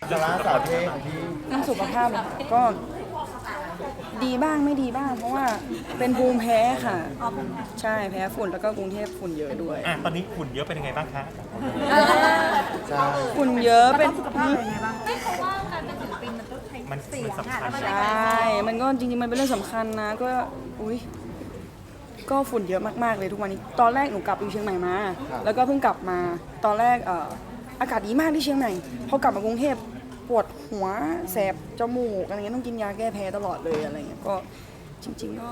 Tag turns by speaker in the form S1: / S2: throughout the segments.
S1: สาระสาวเท่ของพี่
S2: เรื่องสุขภาพเหรอก็ดีบ้างไม่ดีบ้าง เพราะว่าเป็นภูมิแพ้ค่ะใช่แพ้ฝุ่นแล้วก็กรุงเทพฝุ่นเยอะด้วย
S3: ตอนนี้ฝุ่นเยอะเป็นยังไงบ้างคะ
S1: ใช่
S2: ฝุ่นเยอะเป็น
S4: ไม่เพราะว่าการเป็นศิลปินมันต้องใช้เสียง
S3: สำคัญ
S2: ใช่มันก็จริงๆมันเป็นเรื่องสำคัญนะก็ก็ฝุ่นเยอะมากๆเลยทุกวันนี้ตอนแรกหนูกลับอยู่เชียงใหม่มาแล้วก็เพิ่งกลับมาตอนแรกอากาศดีมากที่เชียงใหม่พอกลับมากรุงเทพปวดหัวแสบจมูกอะไรเงี้ยต้องกินยาแก้แพ้ตลอดเลยอะไรเงี้ยก็จริงๆก็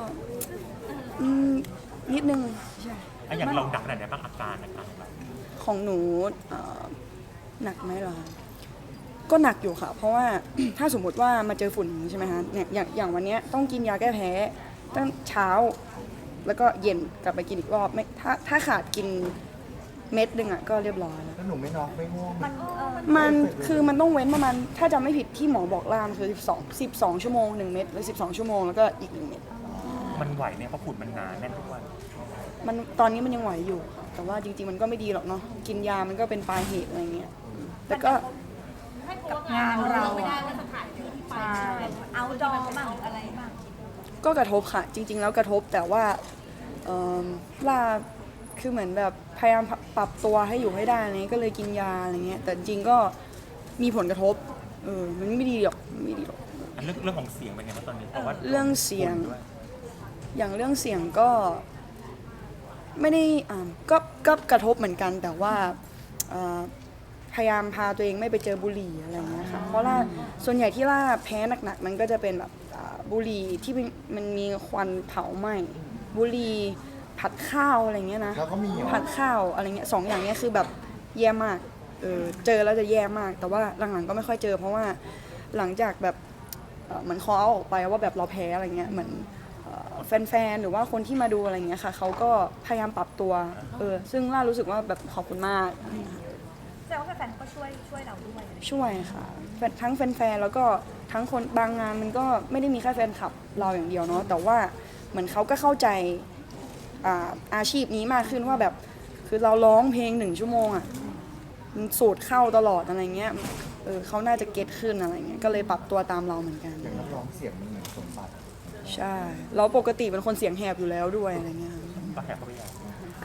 S2: นิดนึงใช่
S3: อย่างเราหนักขนาดไหนบ้างอาการนะครับ
S2: ของหนูหนักไหมเหรอก็หนักอยู่ค่ะเพราะว่า ถ้าสมมติว่ามาเจอฝุ่นใช่ไหมคะเนี่ยอย่างวันนี้ต้องกินยาแก้แพ้ตั้งเช้าแล้วก็เย็นกลับไปกินอีกรอบไม่ถ้าขาดกินเม็ดนึงอ่ะก็เรียบร้อยแล้ว
S1: หนูไม่น็อกไม่ง่วง
S2: มันคือมันต้องเว้นประมาณถ้าจำไม่ผิดที่หมอบอกล่ามคือ12ชั่วโมง1เม็ดหรือ12ชั่วโมงแล้วก็อีก1เม็ด
S3: มันไหวเนี่ยเพราะฝุ่นมันหนาแน่นทุกวัน
S2: มันตอนนี้มันยังไหวอยู่แต่ว่าจริงๆมันก็ไม่ดีหรอกเนาะกินยามันก็เป็นปลายเหตุอะไรเงี้ยแต่ก็
S4: งานเราไม่ได้มาสถานที่ที่ไปเอาดอมั่งอะไรบ้าง
S2: ก็กระทบค่ะจริงๆแล้วกระทบแต่ว่าล่าคือเหมือนแบบพยายามปรับตัวให้อยู่ให้ได้อะไรก็เลยกินยาอะไรเงี้ยแต่จริงก็มีผลกระทบมันไม่ดีหรอกไม่ดีหรอก
S3: เรื่องของเสียงเป็นไงบ้างตอนนี้เพราะว่า
S2: เรื่องเสียงอย่างเรื่องเสียงก็ไม่ได้ก็กระทบเหมือนกันแต่ว่าพยายามพาตัวเองไม่ไปเจอบุหรี่อะไรเงี้ยค่ะเพราะว่าส่วนใหญ่ที่ล่าแพ้หนักๆมันก็จะเป็นแบบบุหรี่ที่มันมีควันเผาไหม้บุหรี่ผัดข้าวอะไรเงี้ยนะผัดข้าวอะไรเงี้ย2อย่างเนี้ยคือแบบแย่มากเจอแล้วจะแย่มากแต่ว่าหลังๆก็ไม่ค่อยเจอเพราะว่าหลังจากแบบเหมือนคอเอาออกไปว่าแบบเราแพ้อะไรเงี้ยเหมือนแฟนๆหรือว่าคนที่มาดูอะไรเงี้ยค่ะเขาก็พยายามปรับตัวซึ่งล่ารู้สึกว่าแบบขอบคุณมาก
S4: แต่ว่าแฟนๆก็ช่วยเราด้วย
S2: ช่วยค่ะทั้งแฟนๆแล้วก็ทั้งคนบางงานมันก็ไม่ได้มีแค่แฟนคลับเราอย่างเดียวเนาะแต่ว่าเหมือนเขาก็เข้าใจอาชีพนี้มากขึ้นว่าแบบคือเราร้องเพลง1ชั่วโมงอ่ะมันสูดเข้าตลอดอะไรเงี้ยเขาน่าจะเก็ตขึ้นอะไรเงี้ยก็เลยปรับตัวตามเราเหมือนกัน
S1: อย่างนักร้องเสียงมันเหมือนสมบัติ
S2: ใช่เราปกติเป็นคนเสียงแหบอยู่แล้วด้วยอะไรเงี้ย
S3: ก็แหบเข้าไปอย่าง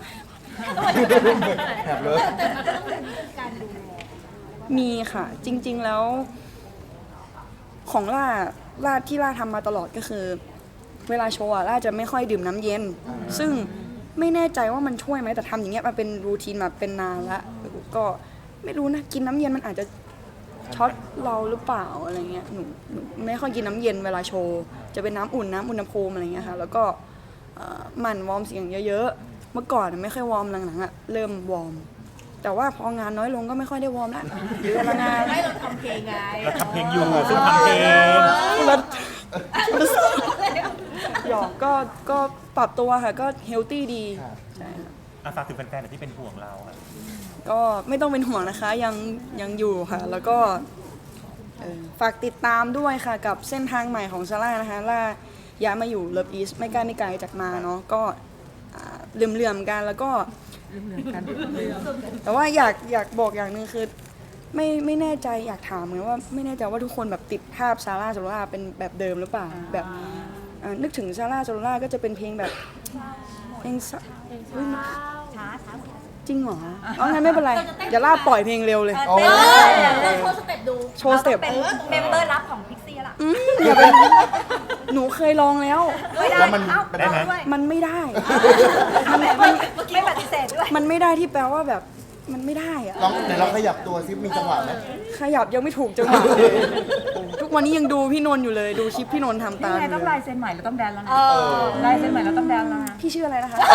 S1: แหบเลย
S2: มีค่ะจริงๆแล้วของล่าที่ล่าทำมาตลอดก็คือเวลาโชว์ล่าจะไม่ค่อยดื่มน้ำเย็นซึ่งไม่แน่ใจว่ามันช่วยไหมแต่ทำอย่างเงี้ยมาเป็นรูทีนมาเป็นนานละก็ไม่รู้นะกินน้ำเย็นมันอาจจะช็อตเราหรือเปล่าอะไรเงี้ยหนูไม่ค่อยกินน้ำเย็นเวลาโชว์จะเป็นน้ำอุ่นน้ำอุณหภูมิอะไรเงี้ยค่ะแล้วก็หมั่นวอร์มเสียงเยอะๆเมื่อก่อนไม่ค่อยวอร์มหลังๆเริ่มวอร์มแต่ว่าพองานน้อยลงก็ไม่ค่อยได้วอร์มละหรือเวลางาน
S4: ไม่เราทำเพลงไง
S3: เราทำเพลงอยู่ซึ่งทำเพลง
S2: หยอกก็ปรับตัวค่ะก็เฮลตี้ดีใช่
S3: ค่ะฝากถึงแฟนๆที่เป็นห่วงเราค่ะ
S2: ก็ไม่ต้องเป็นห่วงนะคะยังอยู่ค่ะแล้วก็ฝากติดตามด้วยค่ะกับเส้นทางใหม่ของซาร่านะคะล่าย้ายมาอยู่เลิฟอีสไม่ไกลจากมาเนาะก็เหลื่อมๆกันแล้วก็แต่ว่าอยากบอกอย่างนึงคือไม่แน่ใจอยากถามเหมือนว่าไม่แน่ใจว่าทุกคนแบบติดภาพซาร่าโซล่าเป็นแบบเดิมหรือเปล่าแบบนึกถึงซาร่าโซล่าก็จะเป็นเพลงแบบเพลงช้าจริงเหรองั้นไม่เป็นไรอย่าล่าปล่อยเพลงเร็วเลย
S4: โชว์สเต็ปดู
S2: โชว์สเต็ป
S4: เป็นเมมเบอร์ลับของพิกซี่ล่ะ
S2: อย่าเป็นหนูเคยลองแล้ว
S1: แล้ว
S2: มันไม่ได้
S4: ไม่ปฏิเสธด้วย
S2: มันไม่ได้ที่แปลว่าแบบมันไม่ได้อะ
S1: เดี๋ยวเราขยับตัวซิมีจังหวะไหม
S2: ขยับยังไม่ถูกจังหวะเลยทุกวันนี้ยังดูพี่นนท์อยู่เลยดูคลิปพี่นนท์ทำตาม
S5: ต้องลายเซ็นใหม่แล้วต้องแดนแล้วนะลายเซ็นใหม่แล้วต้องแดนแล้วนะ
S2: พี่ชื่ออะไรนะคะ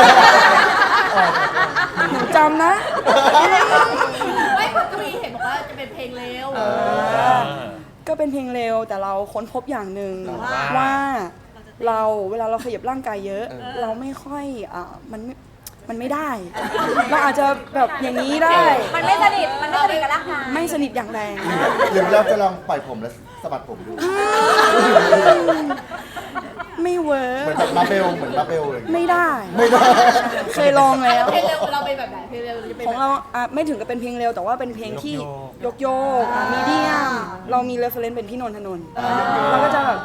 S2: หนูจำนะ
S4: ไม่คุณทวีเห็นบอกว่าจะเป็นเพลงเร็ว
S2: ก็เป็นเพลงเร็วแต่เราค้นพบอย่างหนึ่งว่าเราเวลาเราขยับร่างกายเยอะเราไม่ค่อยมันไม่ได้เราอาจจะแบบอย่างนี้ได้
S4: มันไม่สนิทกับร่างกาย
S2: ไม่สนิทอย่างแรง
S1: หรือเราจะลองปล่อยผมแล้วสะบัดผมดู
S2: ไม่เวิร์
S1: เหมือน
S2: ก
S1: แบบมาเบลเหมือนมาเบลเลย
S2: ไม่ได้
S1: ไม่ได้
S2: เคยลองแล้ว
S4: เพลงเร็วเราเป็นแบบไหนเพลงเร็วจะเป็น
S2: ของเราไม่ถึงกับเป็นเพลงเร็วแต่ว่าเป็นเพลงที่โยกมีเดียมเรามีเรฟเฟรนซ์เป็นพี่นนทนนท์เราก็จะแบบ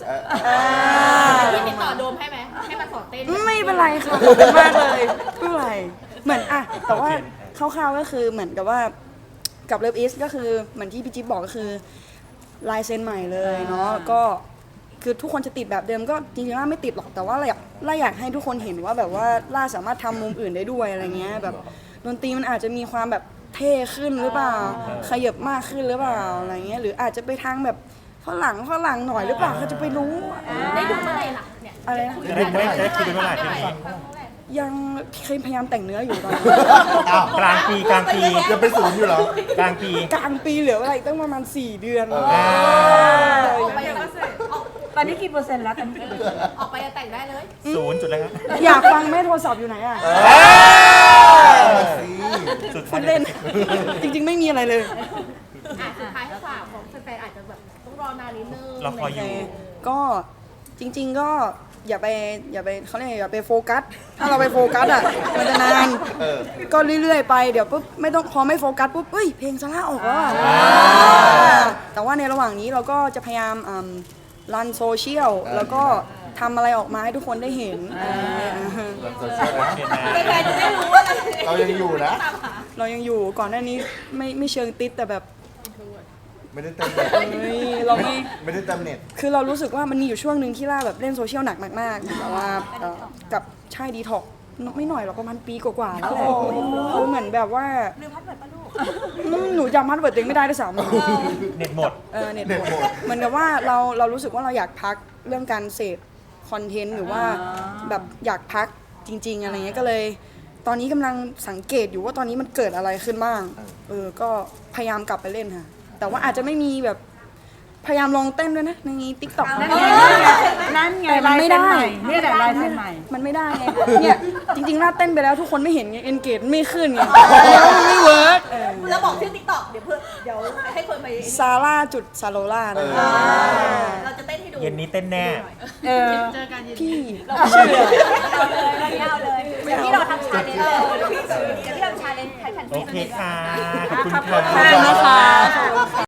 S4: ที่ติดต่อโดมให้ไหมให้มาสอนเต้น
S2: ไม่เป็นไรค่ะขอบคุณมากเลยไม่เป็นไรเหมือนแต่ว่าคร่าวๆก็คือเหมือนกับว่ากับเลิฟอีสก็คือเหมือนที่พี่จิ๊บบอกก็คือลายเซ็นใหม่เลยเนาะก็คือทุกคนจะติดแบบเดิมก็จริงๆล่าไม่ติดหรอกแต่ว่าล่าอยากให้ทุกคนเห็นว่าแบบว่าล่าสามารถทำมุมอื่นได้ด้วยอะไรเงี้ยแบบดนตรีมันอาจจะมีความแบบเท่ขึ้นหรือเปล่าขยับมากขึ้นหรือเปล่าอะไรเงี้ยหรืออาจจะไปทางแบบฝรั่งหน่อยหรือเปล่าเขาจะไปรู้
S4: ได้ดูเมื่อไหร่ล่ะเนี่ย
S2: อะไรนะ
S3: จะได้คุยกันเมื่อไหร่
S2: ยังเคยพยายามแต่งเนื้ออยู่ตอนนี้
S1: อ้าว
S3: กลางปี
S1: ยังเป็นศูนย์อยู่เหรอก
S3: ลางปี
S2: กลางปีเหลืออะไรตั้งประมาณ4 เดือน
S4: ออกไปยัง
S5: ตอนนี้กี่เปอร์เซ็นต์แล้วตอนนี้กี่เปอร์เซ็นต์
S4: ออกไปยังแต่งได้เลย
S3: ศูนย์จุดแล้วครับ
S2: อยากฟังแม่โทรศัพท์อยู่ไหนอ่ะ
S1: มาสิ
S3: สุด
S2: พูดเล่น จริงๆไม่มีอะไรเลย
S4: สุดท้ายให้ฝากของแฟนๆอาจจะแบบต้องรอนานนิดนึง
S3: เราคอยอยู่
S2: ก็จริง ๆก็อย่าไปเขาเรียกอย่าไปโฟกัส ถ้าเราไปโฟกัสอ่ะมันจะนาน ก็เรื่อยๆไปเดี๋ยวปุ๊บไม่ต้องพอไม่โฟกัสปุ๊บเฮ้ยเพลงซาร่าออกแล้วอะแต่ว่าในระหว่างนี้เราก็จะพยายามรันโซเชียลแล้วก็ทำอะไรออกมาให้ทุกคนได้เห็น
S1: เราโซเชียลนะ
S3: เห็นไหม
S4: แฟนๆจะได้รู้ว่า
S1: เรายังอยู่นะ
S2: เรายังอยู่ก่อนหน้านี้ไม่เชิงติดแต่แบบ
S1: ไม่ได้เติมเน็ต
S2: เฮ้ยเรา
S1: ไม่ได้เติมเน็ต
S2: คือเรารู้สึกว่ามันมีอยู่ช่วงหนึ่งที่ล่าแบบเล่นโซเชียลหนักมากๆแต่ว่ากับใช่ดีท็อกไม่หน่อยหรอกประมาณปีกว่าๆแล้วแหละคือเหมือนแบบว่า
S4: ลืมพัดเปิดปะลูก
S2: หนูจำพาสเวิร์ดตัวเองไม่ได้ด้วยซ้ำ
S3: เน็ตหมด
S2: เน็ตหมดเหมือนกับว่าเรารู้สึกว่าเราอยากพักเรื่องการเสพคอนเทนต์หรือว่าแบบอยากพักจริง ๆอะไรเงี้ยก็เลย ตอนนี้กำลังสังเกตอยู่ว่าตอนนี้มันเกิดอะไรขึ้นบ้างก็พยายามกลับไปเล่นค่ะแต่ว่าอาจจะไม่มีแบบพยายามลองเต้นด้วยนะในติ๊กต็อก
S5: นั่นไงลายเซ็นใหม่นี่แหละลายเซ็นใหม่
S2: มันไม่ได้ไงเนี่ยจริงๆน่าเต้นไปแล้วทุกคนไม่เห็นไงเอนเกจไม่ขึ้นไงแล้วมันไม่เวิร์ก
S4: แล้วบอกชื่อติ๊กต็อกเดี๋ยวให้คนไป
S2: ซาร่าจุดซาโลล่านะ
S4: เราจะเต้นให้ดู
S3: เย็นนี้เต้นแน่
S2: พี่
S4: เอาเลยเดี๋ยวพี่เราทำชาเลนจ์เดี๋ยวพี่ทำชาเลนจ์ให้แฟนๆ
S3: โอเคค่ะ ขอบคุณ
S2: ขอบ
S3: ค่ะ
S2: คุณนะคะ